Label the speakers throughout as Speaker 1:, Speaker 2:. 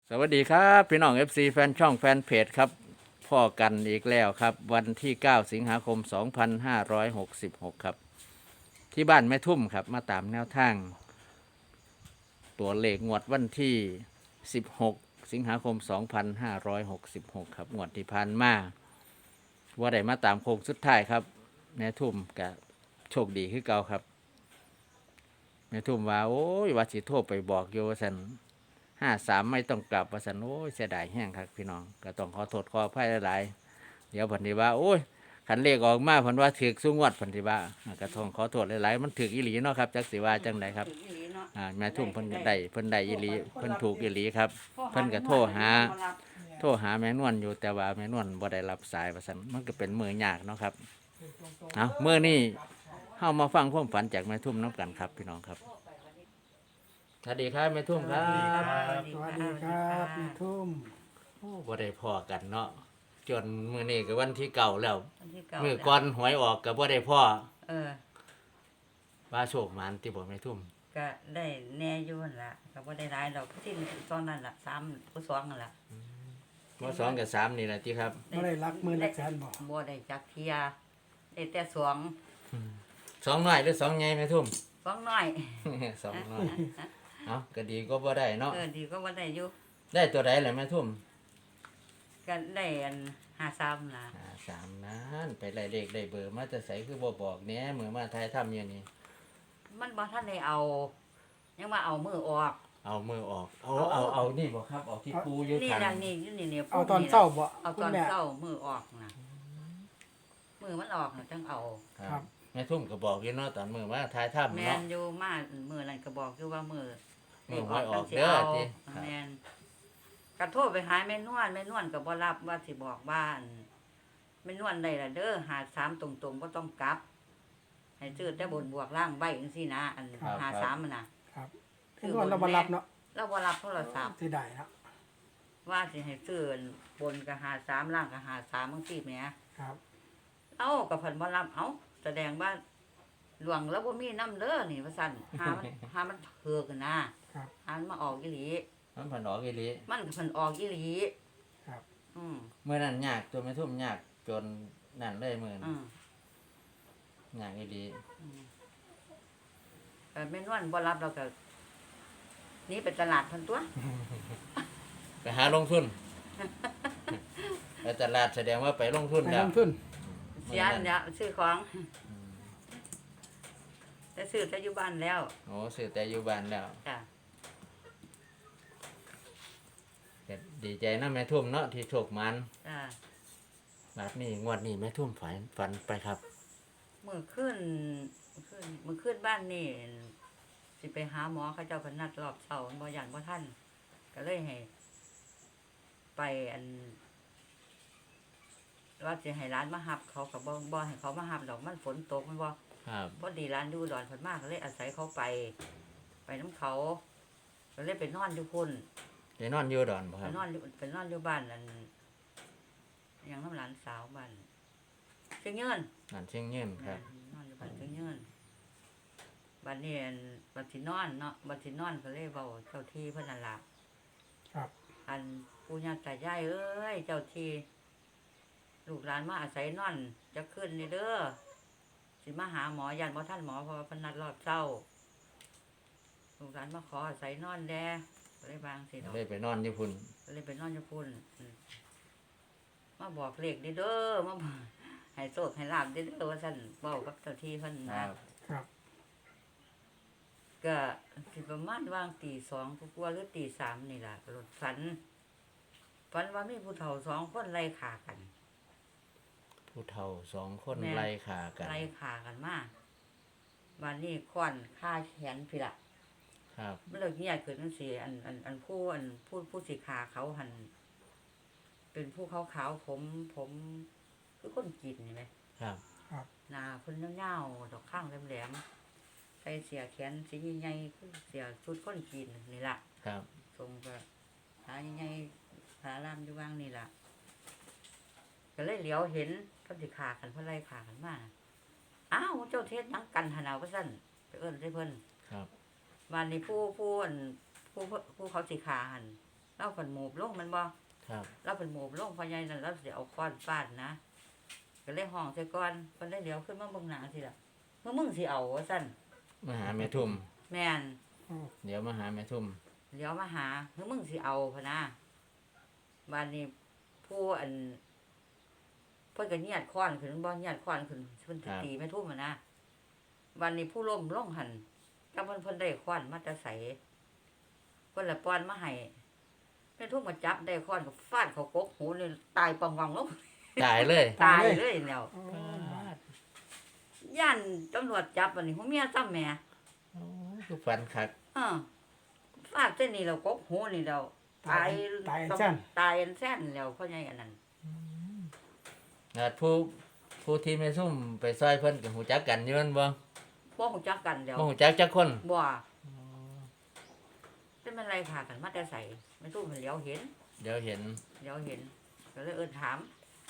Speaker 1: สวัสดีครับพี่น้อง FC แฟนช่องแฟนเพจครับพ่อกันอีกแล้วครับวันที่ 9 สิงหาคม 2566 ครับที่บ้านแม่ทุ่มครับมาตามแนวทางตัวเลขงวดวันที่ 16 สิงหาคม 2566 ครับงวดที่ผ่านมาว่าได้มาตามโค้งสุดท้ายครับแม่ทุ่มกับโชคดีคือเก่าครับแม่ทุ่มว่าโอ้ยว่าสิโทรไปบอกโยสัน53ไม่ต้องกลับว่าสันโอ้ยเสียดายแห้งครับพี่น้องก็ต้องขอโทษขออภัยหลายๆเดี๋ยวผนธิว่าโอ้ยขันเลขออกมาผนว่าถือสูงวดผนธิว่าก็ต้องขอโทษหลายๆมันถืออีหลีเนาะครับจักสิว่าจังไดครับแม่ทุ่มเพิ่นได้อีหลีเพิ่นถูกอีหลีครับเพิ่นก็โทรหาแม่นวลอยู่แต่ว่าแม่นวลบ่ได้รับสายว่าซั่นมันก็เป็นมือยากเนาะครับเอามื้อนี้เฮามาฟังความฝันจากแม่ทุ่มนํกันครับพี่น้องครับสวัสดีครับแม่ทุ่มครับ
Speaker 2: สวัสดีครับพี่ทุ่ม
Speaker 1: โอ้บ่ได้พอกันเนาะจนมื้อนี้ก็วันที่เก่าแล้ว
Speaker 3: วันที่เก้า
Speaker 1: มื้อก่อนหวยออกก็บ่ได้พ่อ
Speaker 3: เออ
Speaker 1: ว่าโชคหมานติบ่แม่ทุ่ม
Speaker 3: ก็ได้แน่อยู่นั่นล่ะก็บ่ได้หลายดอกที่ตอนนั้นล่ะ3ผู้2นั่นล่ะ
Speaker 1: บ่สองกับสามนี่แหละติครับ
Speaker 2: ไม่ได้รักมือรักแสนบอก
Speaker 3: บ่ได้จักเที่ยได้แต่2
Speaker 1: สองน้อยหรือสองใหญ่แม่ทุ่ม
Speaker 3: 2น้อย
Speaker 1: สองน้อยเอ้าก็ดีก็บ่ได้เนาะ
Speaker 3: ดีก็บ่ได้อยู่
Speaker 1: ได้ตัวใดล่ะแม่ทุ่ม
Speaker 3: ก็ได้อัน53ล่ะ
Speaker 1: สามนั้นไปไล่เลขได้เบอร์มาแต่ไสคือบ่บอกแหน่มื้อมาถ่ายทำอยู่นี่
Speaker 3: มันบ่ทันได้เอา ยังมาเอามือออก
Speaker 1: เอามือออกเอานี่บ่ครับเอาที่ปูอยู่
Speaker 3: นี่
Speaker 1: ข้าง
Speaker 3: ล่ะนี่อยู่นี่
Speaker 2: เอาตอนเศร้าบ่
Speaker 3: เอา
Speaker 2: คุ
Speaker 3: ต
Speaker 2: ณ
Speaker 3: อน
Speaker 2: แม่
Speaker 3: เช้ามือออกน่ะมือมันออกน่ะจังเอา
Speaker 2: ครับ
Speaker 1: แม่ทุ่มก็บอกอยู่เนาะตอนมื้อมาถ่ายทำ
Speaker 3: แม่
Speaker 1: เนาะ
Speaker 3: นอยู่มามือนั่นก็บอกอยู่ว่ามือ
Speaker 1: มือหวยออกเด้อติครับ
Speaker 3: แม่นก็โทรไปหาแม่นวลก็บ่รับว่าสิบอกบ้านแม่นวลได้ล่ะเด้อหา3ตรงๆบ่ต้องกลับ ให้ซื้อแต่บนบวกล่างไว้จังซี่นะอันหา3มันน่ะ
Speaker 2: ครับพี่นวลเรามารับเนาะ
Speaker 3: เราบ่รับโทรศัพท์
Speaker 2: ที่ได้เนาะ
Speaker 3: ว่าสิให้ซื้อบนก็หา3ล่างก็หา3จังซี่แหม
Speaker 2: ครับ
Speaker 3: เอ้าก็เพิ่นบ่รับเอ้าแสดงว่าหลวงแล้วบ่มีน้ำเด้อนี่ว่าซั่นหามันถูกนะครับ หามันมาออกอีหลี
Speaker 1: มันผ่นออกอีหลี
Speaker 3: มันก็เพิ่นออกอีหลี
Speaker 2: ครับ
Speaker 3: อืม
Speaker 1: เมื่อนั้นยากตัวไม่ทุ่มยากจนนั่นเลยมือนั้น
Speaker 3: อืม
Speaker 1: ยากอีหลี
Speaker 3: แม่นวลบ่รับเราก็หนี่ไปตลาดเพิ่นตัว
Speaker 1: ไปหาลงทุน ไปตลาดแสดงว่าไปลงทุน
Speaker 2: ไป
Speaker 1: แล้
Speaker 2: ล
Speaker 1: ว
Speaker 2: งทุน
Speaker 3: เสียเนี่ยซื้อของแต่ซื้อแต่อยู่บ้านแล้ว
Speaker 1: โอ้ซื้อแต่อยู่บ้านแล้ว
Speaker 3: จ้ะ
Speaker 1: ก็ดีใจนะแม่ทุ่มเนาะที่โชคมัน
Speaker 3: จ้ะ
Speaker 1: แบบนี้งวดนี้แม่ทุ่มฝันไปครับ
Speaker 3: มื้อคืนบ้านนี่สิไปหาหมอเขาเจ้าเพิ่นนัดรอบเช้าบ่ย่านบ่ทันก็เลยให้ ไปอันว่าสิให้ร้านมารับ เขาก็บ่ให้เขามารับดอกมันฝนตกมันบ่
Speaker 1: ครับ
Speaker 3: พอดีร้านอยู่อุดอนเพิ่นมาก็เลยอาศัยเขาไปน้ำเขาก็เลยไปนอนอยู่พุ่น
Speaker 1: ไปนอนอยู่ดอนบ่ค
Speaker 3: ไป
Speaker 1: รับ
Speaker 3: นอนอยู่บ้านนั่นหยังน้ำหลานสาวบ้านเชียงยืน
Speaker 1: นั่นเชียงยืนครับ
Speaker 3: นอนอยู่บ้านเชียงยืนบ้านนี้อั่นบัดสินอนเนาะบัดสินอนก็เลยเว้าเจ้าที่เพิ่นนั่นล่ะ
Speaker 2: ครับ
Speaker 3: อันปู่ย่าตายายเอ้ยเจ้าที่ลูกหลานมาอาศัยนอนจะขึ้นนี่เด้อสิมาหาหมอยันบ่ทันหมอเพราะว่าเพิ่นนัดรอบเช้าลูกหลานมาขออาศัยนอนแลก็เลยบางสิดอก
Speaker 1: เลยไปนอนอยู่พุ่น
Speaker 3: ก็เลยไปนอนอยู่พุ่นมาบอกเลขเด้อเด้อมาบอกให้โชคให้ลาบเด้อเด้อว่าซั่นเว้ากับเจ้าที่เพิ่น
Speaker 1: ค
Speaker 3: นะ
Speaker 1: รับ
Speaker 2: ครับ
Speaker 3: ก็สิประมาณวางตี2กว่าๆหรือตี3นี่ล่ะรถฝันว่ามีผู้เฒ่า2คนไล่ฆ่ากัน
Speaker 1: ผู้เฒ่าสองคน
Speaker 3: แม่
Speaker 1: ไล่ขากัน
Speaker 3: ไล่ฆ่ากันมาวันนี้ค้อนฆ่าแขนพี่ล่ะ
Speaker 1: ครับ
Speaker 3: มันเลิกเงียบขึ้นจังซี่อันผู้สิฆ่าเขาหั่นเป็นผู้ขาวๆผมคือคนจีนนี่แหม
Speaker 1: ครับ
Speaker 3: หน้าเพิ่นยาวๆดอกข้างแหลมๆใส่เสื้อแขนสีใหญ่ๆคือเสื้อชุดคนจีนนี่ล่ะ
Speaker 1: ครับ
Speaker 3: ทรงก็ขาใหญ่ๆขาล่ามอยู่ว่างนี่ล่ะก็เลยเหลียวเห็นเพิ่นสิฆ่ากันเพิ่นไล่ฆ่ากันมาอ้าวเจ้าเทศหยังกันหั่นน่ะว่าซั่นไปเอิ้นใส่เพิ่น
Speaker 1: ครับ
Speaker 3: วันนี้ผู้เขาสิฆ่าหั่นเราเพิ่นโหมบลงแมันบ่
Speaker 1: ครับ
Speaker 3: เราเพิ่นโหมบลงพ่อใหญ่นั่นเราสิเอาค้อนฟาดนะก็เลยห้องใส่ก่อนเพิ่นได้เดี๋ยวขึ้นมาเบิ่งหน้าสิล่ะเมื่อมึงสิเอาว่าซั่น
Speaker 1: มาหาแม่ทุ่ม
Speaker 3: แม่น
Speaker 1: เดี๋ยวมาหาแม่ทุ่ม
Speaker 3: เดี๋ยวมาหาเมื่อมึงสิเอาพะนะบัดนี้ผู้อันเพิ่นก็เหยียดค้อนขึ้นบ่เหยียดค้อนขึ้นเพิ่นสิตีแม่ทุ่มอะนะบัดนี้ผู้ล้มลงหั่นจังเพิ่นได้ค้อนมาแต่ไสเพิ่นละป้อนมาให้แม่ทุ่มก็จับได้ค้อนก็ฟาดเข้ากกหูนี่ตายปังวังลง
Speaker 1: ตายเลย
Speaker 3: ตายเลยแล้ว
Speaker 2: อ๋อ
Speaker 3: ย่านตำรวจจับอันนี้หัวเมียซ้ำแหม่
Speaker 1: โอ้คือฝันคัก
Speaker 3: ฟาดเส้นนี้แล้วกกหูนี่แล้วตาย
Speaker 2: ตายแซ่น
Speaker 3: ตายอันแซ่นแล้วเพราะไงอันนั้น
Speaker 1: ผู้ที่แม่ทุ่มไปซอยเพิ่นก็ฮู้จักกันอยู่แม่นบ่
Speaker 3: บ่ฮู้จักกันแล้ว
Speaker 1: บ่ฮู้จักจักคน
Speaker 3: บ่เป็นมันไรค่ะกันมาแต่ใส่ไม่ตู้มันเหลียวเห็น
Speaker 1: เดี๋ยวเห็น
Speaker 3: เหลียวเห็นก็เลยเอิ้นถาม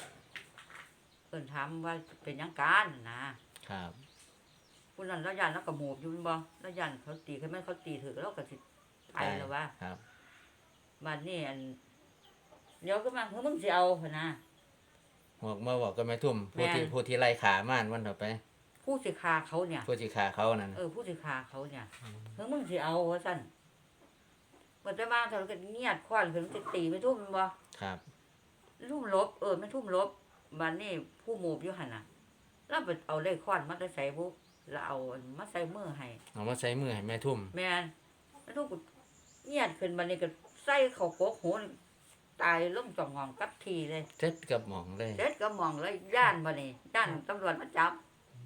Speaker 3: ว่าเป็นหยังกันนะครับ ผู้นั้นแล้วย่านแล้วก็โหมบอยู่แม่นบ่แล้วย่านเขาตีคือแม่นเขาตีถือแล้วก็สิตายแล้วว่า
Speaker 1: ครับ
Speaker 3: บัดนี้อันเดี๋ยวก็มาเฮ้ยมึงสิเอาพุ่นนะ
Speaker 1: บอกมาบอกกับแม่ทุ่ม
Speaker 3: แม่
Speaker 1: ผู้ที่ไล่ขาม่านวันต่อไป
Speaker 3: ผู้สิฆ่าเขาเนี่ย
Speaker 1: ผู้ที่ขาเขานั่น
Speaker 3: ผู้สิฆ่าเขาเนี่ยเฮ้ยมึงสิเอาว่าซั่นบ่ได้มาเท่าก็เงียดควันขึ้นสิตีไม่ทุ่มแม่นบ่
Speaker 1: ครับ
Speaker 3: ทุ่มลบไม่ทุ่มลบบัดนี้ผู้โมบอยู่หั่นน่ะแล้วไปเอาเลขควันมาแต่ใส่บุแล้วเอาอันมาใส่มือให้
Speaker 1: เอามาใส่มือให้แม่ทุ่ม
Speaker 3: แม่นแม่ทุ่มก็เงียดขึ้นบัดนี้ก็ใส่เข้ากกหูนี่ตายลงจ่องหองกับทีเลย
Speaker 1: เจ็ดกับหมองเลย
Speaker 3: เด็ดก็มองเลยย่านบัดนี้ย่านตำรวจมาจับบ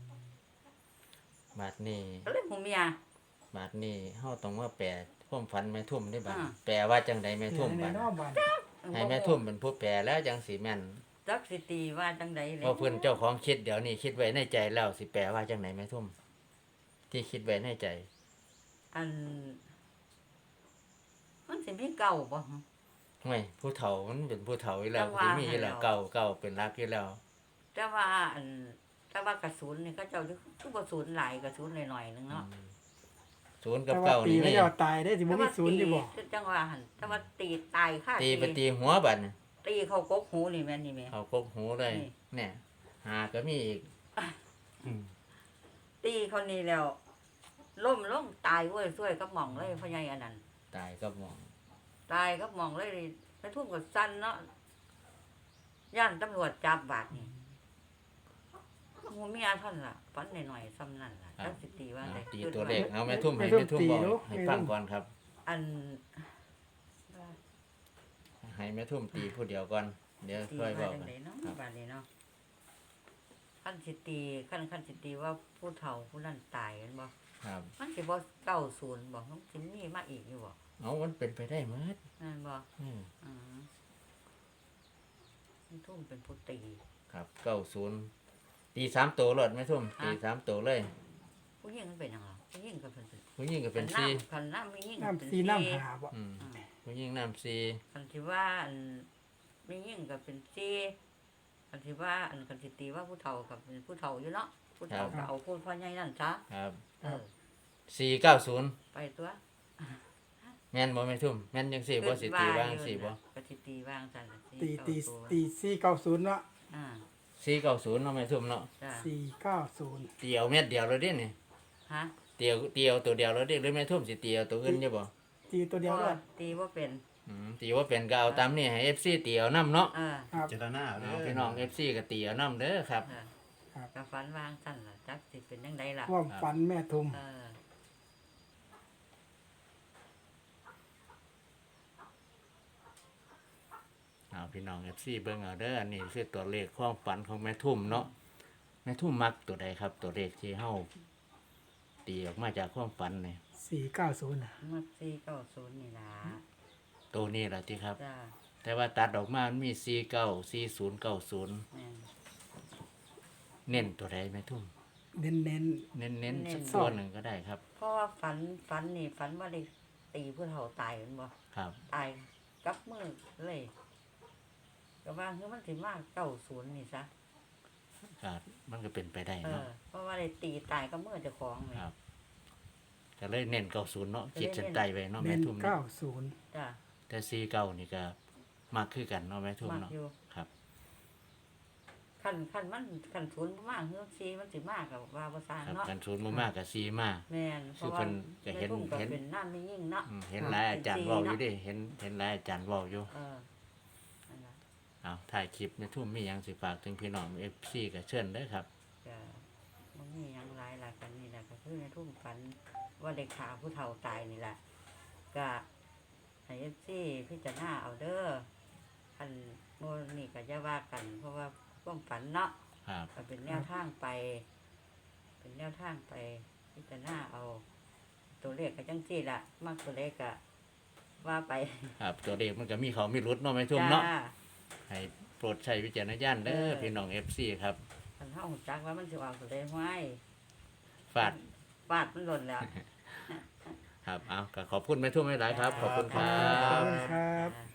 Speaker 1: าดนี้
Speaker 3: ก็เลยหูเมีย
Speaker 1: บาดนี้เฮาต้องมาแปลความฝันแม่ทุ่มได้บาด
Speaker 3: อ่า
Speaker 1: แปลว่าจังใดแม่ทุ่ม
Speaker 2: ใน
Speaker 1: บาด
Speaker 2: นอกบ้าน
Speaker 1: ให้แม่ทุ่มเป็นผู้แปลแล้วจังสิแม่น
Speaker 3: จักสิตีว่าจังใดเลย
Speaker 1: เพราะเพิ่นเจ้าของคิดเดี๋ยวนี้คิดไว้ในใจแล้วสิแปลว่าจังไหนแม่ทุ่มที่คิดไว้ในใจ
Speaker 3: อันมันสิมีเก่าบ่ฮะ
Speaker 1: ไม่ผู้เฒ่ามันเป็นผู้เฒ่าอยู่แล้ว
Speaker 3: จังหวะ
Speaker 1: สิมีอยู่แล้ว
Speaker 3: ให้เรา
Speaker 1: เก่าเป็นรักอยู่แล้ว
Speaker 3: แต่ว่าอันแต่ว่ากระสุนนี่เขาเจ้าคือบ่ศูนย์หลายกระสุนหน่อยๆนึงเนาะ
Speaker 1: ศูนย์กั
Speaker 2: แต่
Speaker 1: บ
Speaker 2: ว่า
Speaker 1: เก่า
Speaker 2: ตี
Speaker 1: นี่
Speaker 2: ไม่
Speaker 1: มี
Speaker 2: ยอดตายได้สิบ่มีศูนย์อยู่บ่
Speaker 3: จังว่าหั่นแต่ว่าตีตายค่ะ
Speaker 1: ตีไปตีหัวบัดน่ะ
Speaker 3: ตีเข้ากกหูนี่แม่นนี่แม่
Speaker 1: เอากกหูเลย
Speaker 3: นี่
Speaker 1: เนี่ยหาก็มีอีก
Speaker 3: ตีเขานี่แล้วล้มลงตายเว้ยช่วยกับหม่องเลยพ่อใหญ่อันนั้น
Speaker 1: ตายก็มอง
Speaker 3: ตายกับหม่องเลยไปทุ่มกับสั้นเนาะย่านตำรวจจับบาดนี่หูเมียท่านล่ะฝันหน่อยๆซ้ำนั่นล่ะจักสิตีว่าได้
Speaker 1: ตีตัวเลขเอาแม่ทุ่มให้แม่ทุ่มบอกให้ฟังก่อนครับ
Speaker 3: อัน
Speaker 1: ให้แม่ทุ่มตีผู้เดียวก่อนเดี๋ยว
Speaker 3: ตี
Speaker 1: ค่อยบ
Speaker 3: ว่า
Speaker 1: อก
Speaker 3: จัง
Speaker 1: กัน
Speaker 3: ไดเนาะ
Speaker 1: ครับ
Speaker 3: บาดนี้เนาะขั้นสิตีขั้นสิตีว่าผู้เฒ่าผู้นั้นตายแม่นบ่
Speaker 1: ครับ
Speaker 3: มันสิบ่90บ่มันสิมีมาอีกอยู่บ่
Speaker 1: เอามันเป็นไปได้หมด
Speaker 3: นั่นบ่
Speaker 1: อืม
Speaker 3: อือมันทุ่มเป็นผู้ตี
Speaker 1: ครับ90ตี3ตัวรถแม่ทุ่มตี3ตัวเลย
Speaker 3: ผู้หญิงมันเป็นหยังล่ะผู้หญิงก็เป็น
Speaker 1: ผู้หญิงก็เป็น
Speaker 3: คั
Speaker 1: 4
Speaker 3: คันน้ำมีหญิง
Speaker 2: น้ำซีน้ำหาบ่
Speaker 1: อืม
Speaker 3: อืม
Speaker 1: ผู้หญิงน้ำ4
Speaker 3: คันที่ว่าอันมีหญิงก็เป็น4คันที่ว่าอันคันสิตีว่าผู้เฒ่าก็เป็นผู้เฒ่าอยู่เนาะผู้เฒ่าก็เอาผู้พ่อใหญ่นั่นซะ
Speaker 1: ครับ
Speaker 3: เออ
Speaker 1: 490
Speaker 3: ไปตัว
Speaker 1: แม่นบ่แม่ทุ่มแม่นจังซี่บ่สิตีว่างสิบ่
Speaker 3: ก็สิตีว่างซั่น
Speaker 2: ตี
Speaker 3: 490
Speaker 2: 490เนาะ
Speaker 3: อ่า
Speaker 1: 490เนาะแม่ทุ่มเนาะ
Speaker 3: จ้ะ
Speaker 2: 490
Speaker 1: เตียวเม็ดเดียวแล้วเด้นี่
Speaker 3: ฮะ
Speaker 1: เตียวตัวเดียวแล้วเด้หรือแม่ทุ่มสิเตียวตัวอื่นอยู่บ่
Speaker 2: ตีตัวเดียวเลย
Speaker 3: ตีบ่เป็น
Speaker 1: ตีว่าเป็นก็เอาตามนี่ให้ FC เตียวนํเนาะ
Speaker 3: เออ
Speaker 2: ครับ
Speaker 4: เจตนาเอาเด้
Speaker 1: เอา
Speaker 4: อ
Speaker 1: พี่น้อง FC ก็เตียวนํเด้อครับ
Speaker 3: เออ
Speaker 2: ครับ
Speaker 3: ก็ฝันว่างซั่นล่ะจักสิเป็นจังไดล่ะ
Speaker 2: ความฝันแม่ทุม
Speaker 3: เออ
Speaker 1: เอาพี่น้อง FC เบิ่งเอาเด้ออันนี้คือตัวเลขความฝันของแม่ทุ่มเนาะแม่ทุ่มมักตัวใดครับ ตัวเลขที่เฮาตีออกมาจากความฝันนี่
Speaker 2: 490น่ะ
Speaker 3: มัก490นี่ล่ะ
Speaker 1: ตัวนี้ล่ะที่ครับ
Speaker 3: จ้า
Speaker 1: แต่ว่าตัดออกมามันมี49 40 90
Speaker 3: แม่น
Speaker 1: เน้นตัวใดแม่ทุ่ม
Speaker 2: เน้น
Speaker 1: เน้นสัก
Speaker 2: ๆ
Speaker 1: ตัวหนึ่งก็ได้ครับ
Speaker 3: เพราะว่าฝันนี่ฝันว่าได้ตีผู้เฒ่าตายแม่นบ่
Speaker 1: ครับ
Speaker 3: ตายกับมือเลยก็ว่าคือมันสิมา90นี่ซะ
Speaker 1: ครับมันก็เป็นไปได้
Speaker 3: เอ
Speaker 1: เนาะ
Speaker 3: อเพราะว่าได้ตีตายกับมือเจ้าของเลย
Speaker 1: ครับ ก็เลยเน้น90เนาะขีดเส้นใต้ไว้เนาะ
Speaker 2: เน้
Speaker 1: แม่
Speaker 2: น
Speaker 1: ทุ่มเนาะ
Speaker 2: 90
Speaker 3: จ้า
Speaker 1: แแต่ซีเก่านี่ก็มากคือกันเนาะแม่ทุ่ม
Speaker 3: มาก
Speaker 1: เนาะ
Speaker 3: อยู่
Speaker 1: ครับ
Speaker 3: คันมันคันศูนย์บ่มากเฮือกซีมันสิมากกับว่าบ่สร้าง
Speaker 1: ครับ
Speaker 3: เนาะ
Speaker 1: กันศูนย์บ่มากกับซีมา
Speaker 3: แม่นเพ
Speaker 1: คือ
Speaker 3: ราะ
Speaker 1: เพิ่
Speaker 3: ว่าน
Speaker 1: ก็เห็น
Speaker 3: แม่ทุ่มก็
Speaker 1: เห็น
Speaker 3: เป็นน้ำไม่ยิ่งเนาะ
Speaker 1: เห็นหลายอาจารย์เว้าอยู่เดิเห็นหลายอาจารย์เว้าอยู่
Speaker 3: นั่นล่ะ
Speaker 1: เอาถ่ายคลิปแม่ทุ่มมีหยังสิฝากถึงพี่น้อง FC ก็เชิญเด้อครับ
Speaker 3: ก็บ่มีหยังหลายหลายกันนี่แหละก็คือในทุ่มฝันว่าได้ฆ่าผู้เฒ่าตายนี่แหละก็ให้ FC พิจารณาเอาเด้อคันโน่นนี่ก็อย่าว่ากัน เพราะว่าความฝันเนาะ
Speaker 1: ครับ
Speaker 3: ก็เป็นแนวทางไป เป็นแนวทางไปพิจารณาเอา ตัวเลขก็จังซี่ล่ะมากตัวเลขก็ว่าไป
Speaker 1: ครับตัวเลขมันก็มีเขามีรุดเนาะแม่ทุ่ม
Speaker 3: จ้า
Speaker 1: เนาะให้โปรดใช้วิจารณญาณเด้อ
Speaker 3: เออ
Speaker 1: พี่น้อง FC ครับ
Speaker 3: คันเฮารู้จักว่ามันสิออกตัวเลขไว้
Speaker 1: ฝาก
Speaker 3: ฟาดมันหล่นแล้ว
Speaker 1: ครับเอาก็ขอบคุณแม่ทุ่มหลายๆครับ ขอบคุณครั
Speaker 2: ขอบบ คุณครับ
Speaker 3: อ่า